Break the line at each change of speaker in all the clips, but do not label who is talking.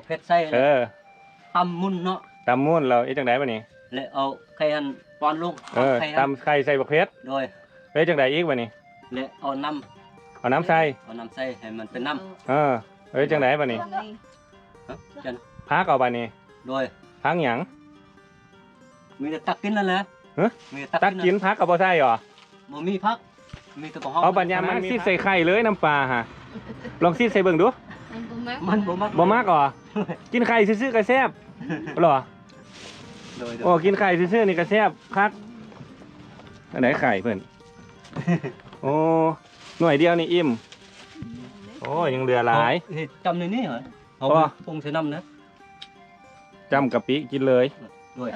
เพชรใส่ตำมุนเนาะ
ตำมุนเราจังได๋บัดนี้
แล้วเอาไข่หันปอนลง
ตำไข่ใส่บักเพชร
โดย
จังได๋อีกบัดนี้
แล้วเอาน้
ำใส่
ให้มันเป็นน้
ำจังได๋บัดนี้พักเอาบัดนี้
โดย
พักหยัง
มีแต่ตักกินนั่นแหละ
มีตักกินพักก็บ่ใส่หรอ
บ่มีพักมีแต่
เอาบัดยามมันซิดใส่ไข่เลยน้ำปลาฮะลองซิดใส่เบิ่งดู
มัน
บ่มักหรอกินไข่ซื่อๆก็แซ่บหรอโอ้กินไข่ซื่อๆนี่ก็แซ่บคักอันไหนไข่เพิ่นโอ้หน่วยเดียวนี่อิ่มโอ้ยังเหลือหลาย
จำในนี้เหรอเอาปรุงใส่น้ำนะ
จำกะปิกินเลย
ด้วย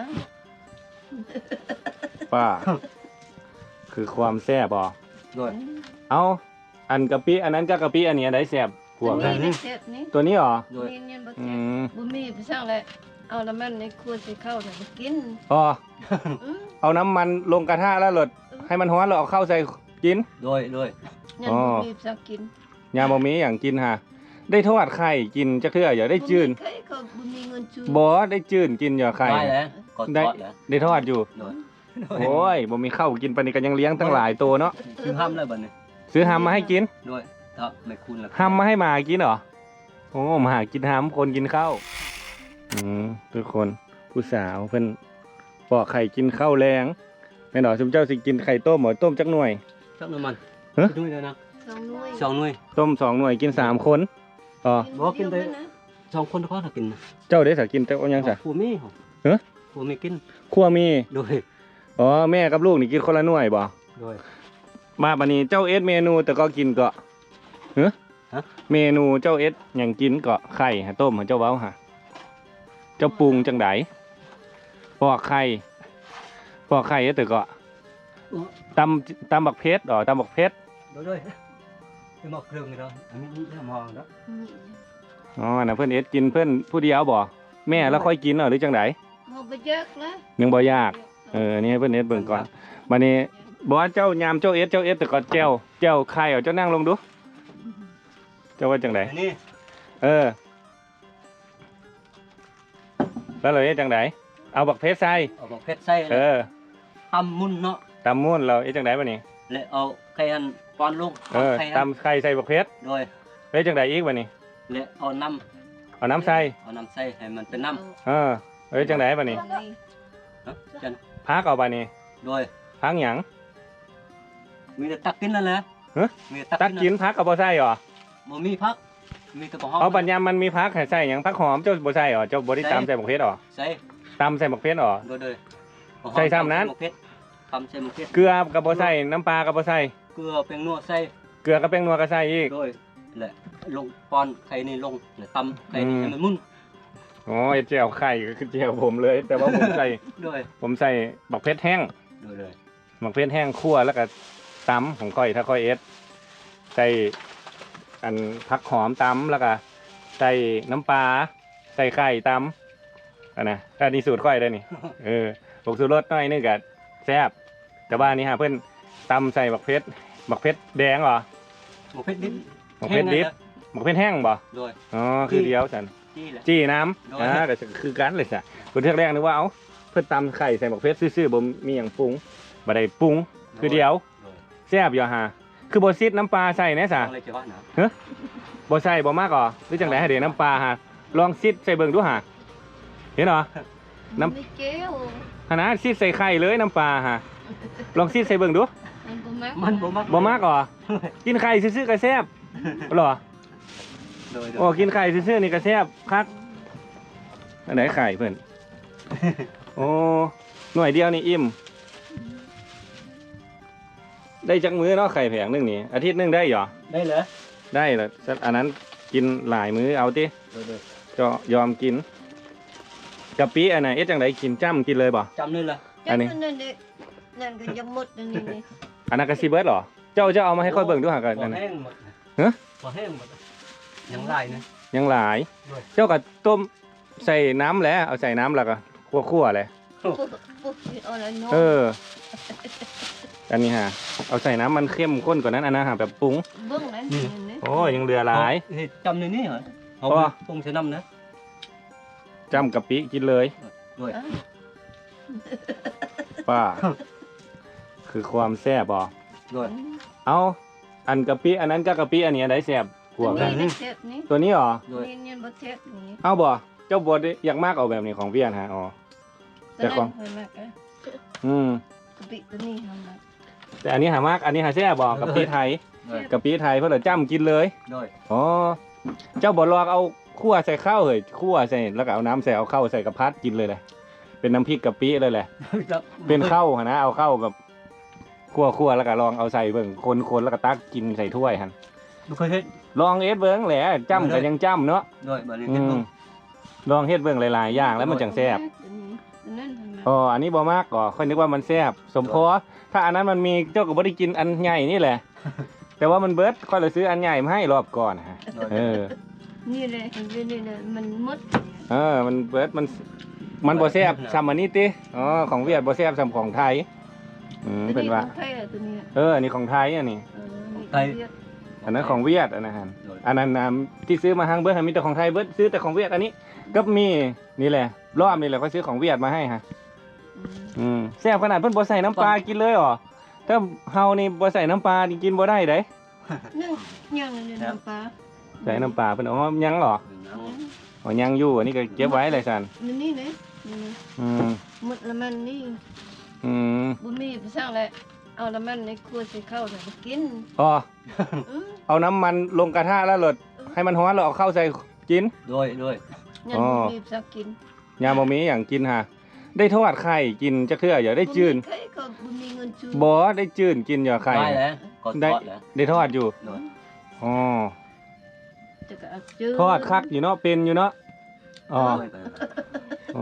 ป้าคือความแซ่บบ่
ด้วย
เอาอันกะปิอันนั้นก็กะปิอันนี้อันไหนแซ่บพวกตัวนี้หรอ
บุมีไปสร้างเลยเอาน้ำมันในครัวใส่ข้าวใส่กิน
อ๋อเอาน้ำมันลงกระทะแล้วหลดให้มันร้อนแล้วเอาข้าวใส่กิน
ด้วย
ยังบุมีสักกิน
ยาบะหมี่อย่างกินฮะได้ทอดไข่กินจะเทื่ออย่าได้จืนบ่ได้จืนกินอย่าไข่ได้ทอดอยู่โอ้ยบ่มีข้าวกินปานนี้ก็ยังเลี้ยงตั้งหลายตัวเนาะ
ซื้อห้ำเลยบัดนี้
ซื้อห้ำมาให้กิน
ด้วยครับไม่คุ้นละ
ห้ำมาให้หมากินเหรอโอ้หมากินห้ำคนกินข้าวทุกคนผู้สาวเพิ่นปอกไข่กินข้าวแรงแม่หนอสมเจ้าสิกินไข่ต้มหมอต้มจักหน่วย
มันด้วยนะ2 หน่วย
ต้ม2 หน่วยกิน3 คนอ๋อ
บอกกินได้2 คนเขากิน
เจ้าได้สักกินแต่เอายังสัก
ครัวมีครัวมีกิน
ครัวมี
ด้วย
อ๋อแม่กับลูกนี่กินคนละหน่วยบ่
ด้วย
มาบัดนี้เจ้าเอสเมนูแต่ก็กินเกาะเมนูเจ้าเอสอย่างกินเกาะไข่ฮะต้มฮะเจ้าเว้าฮะเจ้าปรุงจังไดปอกไข่แต่เกาะตำบักเพชรตำบักเพชร
ด้วยหมอกเครื่องนี่เนาะอันนี้หมอกเนาะ
อ๋อน่ะเพื่อนเอสกินเพื่อนผู้เดียวบ่แม่แล้วค่อยกินหรือจังได
บ่ยากนะ
ยังบ่ยากนี่ให้เพื่อนเอสเบิ่งก่อนบัดนี้บอกว่าเจ้ายามเจ้าเอสแต่ก็แจ้วไข่เจ้านั่งลงดูเจ้าว่าจังไดแล้วเลยจังไดเอาบักเพชรใส่
ตำมุนเนาะ
ตำมุนเราจังไดบัดนี้
แล้วเอาไข่หันปอนลง
ตำไข่ใส่บักเพชร
ด้วย
จังไดอีกบัดนี้
แล้วเอาน้
ำใส่
ให้มันเป็นน้
ำจังไดบัดนี้พักเอาบัดนี้
ด้วย
พักหยัง
มีแต่ตักกินนั่นแหละ
ตักกินพักกับบ่ใส่หรอ
บ่มีพักมีแต่หอม
เอาบัดยามมันมีพักให้ใส่หยังพักหอมเจ้าบ่ใส่หรอเจ้าบ่ได้ตำใส่บักเพชรหรอ
ใส่
ตำใส่บักเพชรหรอ
ด้วย
ใส่ซ้ำนั้น
ตำใส่บักเพชร
เกลือกับบ่ใส่น้ำปลากับบ่ใส่
เกลือแป้งนัวใส่
เกลือกับแป้งนัวก็ใส่อีก
ด้วยแหละลงปอนไข่นี่ลงแล้วตำไข่นี่ให้มันมุน
อ๋อเจียวไข่ก็คือเจียวผมเลยแต่ว่าผมใส่ผมใส่บักเพชรแห้ง
ด้วย
บักเพชรแห้งคั่วแล้วก็ตำของก้อยถ้าก้อยเอสใส่อันผักหอมตำแล้วก็ใส่น้ำปลาใส่ไข่ตำอันนี้สูตรก้อยได้นี่ผงชูรสน้อยนึงกับแซ่บแต่ว่านี่ฮะเพื่อนตำใส่บักเพชรแดงเหรอ
บักเพชรดิบ
บักเพชรแห้งบ่อ๋อคือเดียวสันจี้น้ำแต่คือกันเลยจ้ะคนเทือกแรกนึกว่าเพื่อนตำไข่ใส่บักเพชรซื่อๆบ่มีอย่างปรุงบ่ได้ปรุงคือเดียวแซ่บอยู่ฮะคือบ่ซิดน้ำปลาใส่แน่ซะบ่ใส่บ่มากก่อหรือจังไดให้เดี๋ยวน้ำปลาฮะลองซิดใส่เบิ่งดูฮะเห็นเหรอน้ำนะซิดใส่ไข่เลยน้ำปลาฮะลองซิดใส่เบิ่งดู
มัน
บ่มากก่อกินไข่ซื่อๆก็แซ่บหรอโอ้กินไข่ซื่อๆนี่ก็แซ่บคักอันไหนไข่เพื่อนโอ้หน่วยเดียวนี่อิ่มได้จักมื้อเนาะไข่แผงนึงนี่อาทิตย์นึงได้หรอ
ได้เหรอ
ได้เหรออันนั้นกินหลายมื้อเอาติจะยอมกินกะปิอันไหนจังไดกินจ้ำกินเลยบ่
จ้ำเลยเหรอ
อันนี้นั่นก็ยังหมดอันนี้
อันนั้นก็ซีเบิร์ดหรอเจ้าเอามาให้ค่อยเบิ่งดูหากันอันนั้น
พอแห้งหมดยังหลายนะ
ยังหลายเจ้าก็ต้มใส่น้ำแล้วเอาใส่น้ำแล้วก็คั่วเลยอันนี้ฮะเอาใส่น้ำมันเข้มข้นกว่านั้นอันนั้นฮะแบบปรุง
โอ้
ยังเหลือหลาย
จำในนี้เหรอเอาปรุงใส่น้ำนะ
จ้ำกะปิกินเลย
ด้วย
ป้า คือความแซ่บบ่
ด้วย
เอาอันกะปิอันนั้นก็กะปิอันนี้อันไหนแซ่บกว่ากัน
นี่เทปนี้
ตัวนี้เหรอ
ด้วย
นี่บ่เทปนี้
เอาบ่เจ้าบ่ได้อยากมากเอาแบบนี้ของเวียนฮะอ๋อ แต่ของ
เคยมากะ
อืม
กะปิตัวนี้ทำมา
แต่อันนี้หามากอันนี้หาแซ่บบ่กะปิไทย
ด้วย
กะปิไทยเพิ่นเอาจ้ำกินเลย
ด้วย
อ๋อเจ้าบ่ลอกเอาคั่วใส่ข้าวเฮ้ยคั่วใส่แล้วก็เอาน้ำใส่เอาข้าวใส่กระพัดกินเลยแหละเป็นน้ำพริกกะปิเลยแหละเป็นข้าวหั่นนะเอาข้าวแบบคั่วแล้วก็ลองเอาใส่เบิ่งคนแล้วก็ตักกินใส่ถ้วยหั่น
ดูเคยเฮ็ด
ลองเฮ็ดเบิ่งแหละจ้ำก็ยังจ้ำเนาะ
ด้วยบ่ได้
อื
เฮ็ด
ม
บ่
ลองเฮ็ดเบิ่งหลายๆอย่างแล้วมันจังแซ่บ
ตัวนั้นทำมา
อ๋ออันนี้บ่มากก่อค่อยนึกว่ามันแซ่บสมพอถ้าอันนั้นมันมีเจ้าก็บ่ได้กินอันใหญ่นี่แหละ แต่ว่ามันเบิดค่อยเลยซื้ออันใหญ่มาให้รอบก่อนฮะ
ด้วย
เออ
นี่เลยเห็นเป็นนี่เลยมันมด
มันเบิดมันบ่แซ่บซ้ำอันนี้ติอ๋อของเวียดบ่แซ่บซ้ำของไทยเป็นว่า
ไทยตัวนี้
อันนี้ของไทยอันนี้
ไทย
อันนั้นของเวียดอันนั้นฮะอันนั้นที่ซื้อมาทางเบิดมีแต่ของไทยเบิดซื้อแต่ของเวียดอันนี้ก็มีนี่แหละรอบนี่แหละก็ซื้อของเวียดมาให้ฮะแซ่บขนาดเพิ่นบ่ใส่น้ำปลากินเลยเหรอถ้าเฮานี่บ่ใส่น้ำปลานี่กินบ่ได้เด้
นึ่งยังเลยน้ำปลา
ใส่น้ำปลาเพิ่นอ๋อยังเหรออ๋อยังอยู่อันนี้ก็เก็บไว้เลยซั่น
มันนี่เลย หมดละมันนี่ บุมีไปสร้างเลยเอาละมันในครัวใส่ข้าวใส่กิน
อ๋อเอาน้ำมันลงกระทะแล้วหลดให้มันร้อนแล้วเอาเข้าวใส่กิน
ด้วย
ยันบุมีสักกิน
ยามบ่มีอย่างกินฮะได้ทอดไข่กินจักเทื่ออย่าได้จืน
ใครก็บุมีเงินจู
บ่ได้จืนกินอย่าไข่
ได้แล้วก็ทอดแล้ว
ได้ทอดอยู่
ด้วย
อ๋อ
จะก็จื
ทอดคักอยู่เนาะเป็นอยู่เนาะอ๋อ
ด้วย
อ๋อ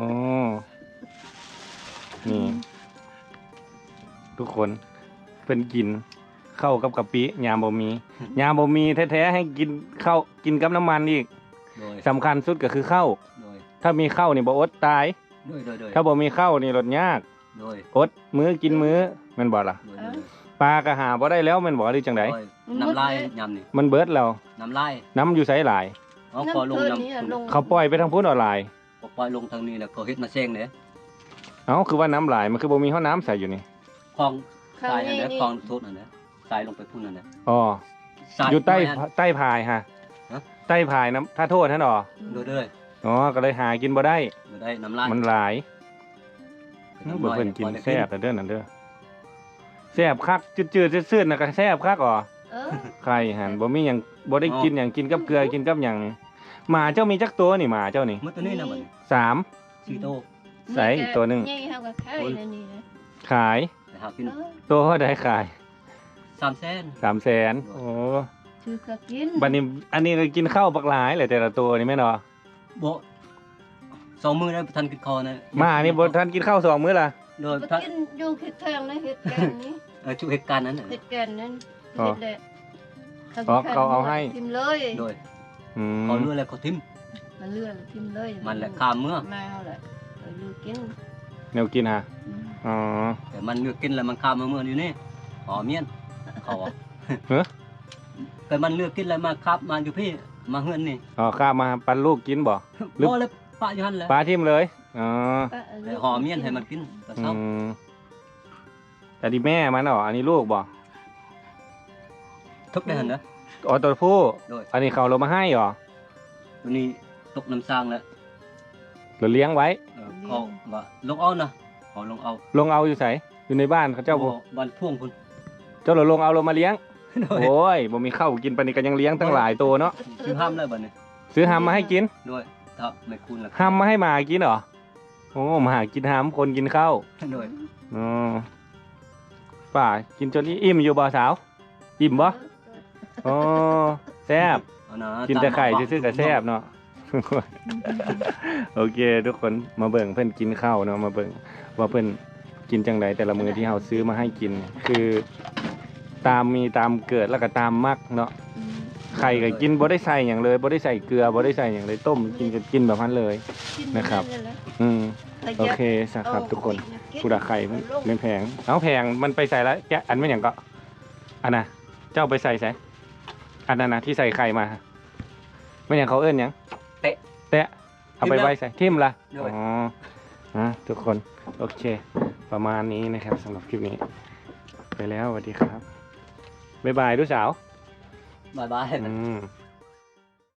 นี่ทุกคนเพิ่นกินเข้าวกับกะปิยามบ่มียามบ่มีแท้ๆให้กินข้าวกินกับน้ำมันอีก
ด้วย
สำคัญสุดก็คือข้าว
ด้วย
ถ้ามีข้าวนี่บ่อดตาย
ด้วย
ถ้าบ่มีข้าวนี่ลดยาก
ด้วย
อดมื้อกินมื้อแมันบ่ล่ะ
ด้วย
ปลาก็หาบ่ได้แล้วแมันบ่หรือจังได
น้ำลายยำนี่
มันเบิดแล้ว
น้ำลาย
น้ำอยู่ไสหลาย
เอาพอลง
น้ำ
น้ำ
ลง
เขาปล่อยไปทางพุ้นออนไลน์
ปล่อยลงทางนี้แล้วก็เฮ็ดมาแซงเนี่ย
เอ้าคือว่าน้ำหลายมันคือบ่มีห้อน้ำใส่อยู่นี่
คลอง
ข้า
ท
ว
รายนั่น
นี่
แหละ
นี่
คลองโทษนั่นแหละทรายลงไปพุ่นนั่นแหละ
อ๋อ
ทราย
อยู่ใต้
น้ำ
ใต้พายฮะ
ฮะ
ใต้พายน้ำถ้าโทษท่านอ๋อ
ด้วย
อ๋อก็เลยหากินบ่ได้
ได้น้ำลาย
มันหลายบ่เพิ่นกินแซ่บแต่เด้อนั่นเด้อแซ่บคักจืดๆซื่อๆน่ะก็แซ่บคักอ๋อ ไข่หันบ่มีหยังบ่ได้กินหยังกินกับเกลือกินกับหยังหมาเจ้ามีจักตัวนี่หมาเจ้านี่
มื้อตัวนี้นะบัดนี้
3
4โต
ใส่อีกตัวหนึ่ง
ใหญ่เท่ากับไข่นั่นนี่นะ
ขาย
แต่หากิน
ตัวเท่าใดขาย
3แสน
300,000โอ้
ถือก็กิน
บัดนี้อันนี้ก็กินข้าวบักหลายแหละแต่ละตัวนี่แม่นบ่
บ่2มื้อแล้วทันกินคอนะ
หมานี่บ่ทันกินข้าว2มื้อล่ะ
โดย
ก็
ทัน
กินอยู่เฮ็ดทางนะเฮ็ดแกนนี้
ชุเหตุการณ์นั้นน่ะ
เฮ็ดแกนนั้นเฮ็ดแหละ
เขาเอาให้
ทิมเลย
โดย
อืม
เขาเลือแล้วเขาทิ่ม
มันเลื่อนทิมเลย
มันแหละข้ามเมื่อ
มาเอาแหละลูกกิน
แนวกินฮะอ๋อ
แต่มันเลือกกินแล้วมันข้ามมาเมื่ออยู่นี่อ๋อเมียนเขาอ่ะ
เฮ้อ
แต่มันเลือกกินแล้วมาครับมาอยู่พี่มาเฮือนนี่
อ๋อข้ามาปันลูกกินบ่ หรือ
บ่เลยปะอยู่หั่นแหละ
ปลาทิ่มเลยอ๋อ
แต่ห่อเมียนให้มันกินตอน
อื
เช้าม
แต่ดีแม่มันอ๋ออันนี้ลูกบ่
ทุกได้หั่นนะ
อ๋อตัวผู้
โดย
อันนี้เขาเรามาให้เหรอ
ตัวนี้ตกน้ำสร้างแล้ว
เราเลี้ยงไว้
เขาว่าลงเอานะขอลงเอา
ลงเอาอยู่ไสอยู่ในบ้านเขาเจ้าบ่
บ้านพ่วงพุ่น
เจ้าเราลงเอาเรามาเลี้ยง
โดย
โอ้ยบ่มีข้าวกินปานนี้ก็ยังเลี้ยงตั้งหลายตัวเนาะ
ซื้อห้ามแล้วบัดนี้
ซื้อหำมาให้กิน
โดยถ้าไม่คุณล่ะ
หำมาให้หมากินเหรอโอ้หมากินหำคนกินข้าว
โดย
อ๋อป่ากินจนอิ่มอยู่บ่สาวอิ่มบ่อ๋อแซ่บ
เอานะ
กินแต่ไข่ซื่อๆก็แซ่บเนาะ โอเค ทุกคนมาเบิ่งเพิ่นกินข้าวเนาะมาเบิ่งว่าเพิ่นกินจังไดแต่ละมื้อที่เฮาซื้อมาให้กินเนี่ยคือตามมีตามเกิดแล้วก็ตามมักเนาะไข่ก็กินบ่ได้ใส่หยังเลยบ่ได้ใส่เกลือบ่ได้ใส่หยังเลยต้มกินก็กินแบบนั้นเลย นะครับ อืมโอเคสักครับทุกคนผู้ดักไข่มันไม่แพงเอาแพงมันไปใส่แล้วแกะอันไม่อย่างก็อันน่ะเจ้าไปใส่อันนั้นนะที่ใส่ไข่มาไม่อย่างเขาเอิ้นหยัง
เตะ
แตะเอาไปไว้ใส่ทิ่มละ
ด้วย
อ๋อทุกคนโอเค ประมาณนี้นะครับสำหรับคลิปนี้ ไปแล้วสวัสดีครับบ๊ายบายลูกสาว
บายบาย
อืม